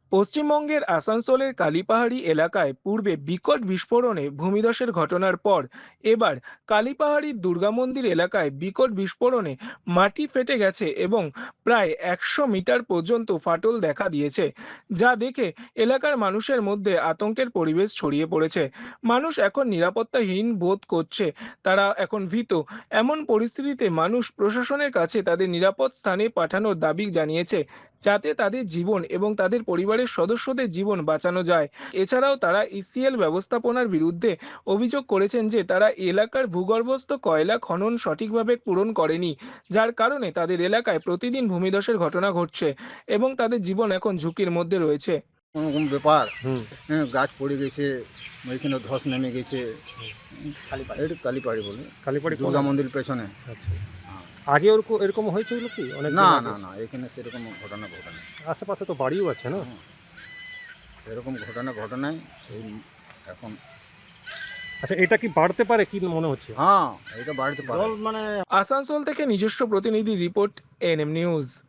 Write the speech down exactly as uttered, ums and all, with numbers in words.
পশ্চিমবঙ্গের আসানসোলের কালীপাহাড়ি এলাকায় পূর্বে বিকট বিস্ফোরণে ভূমিধসের ঘটনার পর এবার কালীপাহাড়ির দুর্গা মন্দির এলাকায় বিকট বিস্ফোরণে মাটি ফেটে গেছে এবং প্রায় একশো মিটার পর্যন্ত ফাটল দেখা দিয়েছে, যা দেখে এলাকার মানুষের মধ্যে আতঙ্কের পরিবেশ ছড়িয়ে পড়েছে। মানুষ এখন নিরাপত্তাহীন বোধ করছে, তারা এখন ভীত। এমন পরিস্থিতিতে মানুষ প্রশাসনের কাছে তাদের নিরাপদ স্থানে পাঠানোর দাবি জানিয়েছে, যাতে তাদের জীবন এবং তাদের পরিবারের সদস্যদের জীবন বাঁচানো যায়। এছাড়াও তারা ইসিএল ব্যবস্থাপনার বিরুদ্ধে অভিযোগ করেছেন যে তারা এলাকার ভূগর্ভস্থ কয়লা খনন সঠিকভাবে পূরণ করেনি, যার কারণে তাদের এলাকায় প্রতিদিন ভূমিধসের ঘটনা ঘটছে এবং তাদের জীবন এখন ঝুঁকির মধ্যে রয়েছে। কোনোরকম ব্যাপার। হুম। হ্যাঁ, গাছ পড়ে গেছে, ওইখানে ধস নেমে গেছে। এটা কালীপাড়ি বলে, কালীবাড়ি কোন দুর্গা এলাকা? মন্দির পেছনে। আচ্ছা। আগে ওরকম এরকম হয়েছিল কি অনেক না দিন আগে? না না এখানে সেরকম ঘটনা ঘটনা আশেপাশে তো বাড়িও আছে না? এরকম ঘটনা ঘটনায় এই এখন। আচ্ছা, এটা কি বাড়তে পারে কি মনে হচ্ছে? হ্যাঁ, এটা বাড়িতে পারে। আসানসোল থেকে নিজস্ব প্রতিনিধি রিপোর্ট, এনএম নিউজ।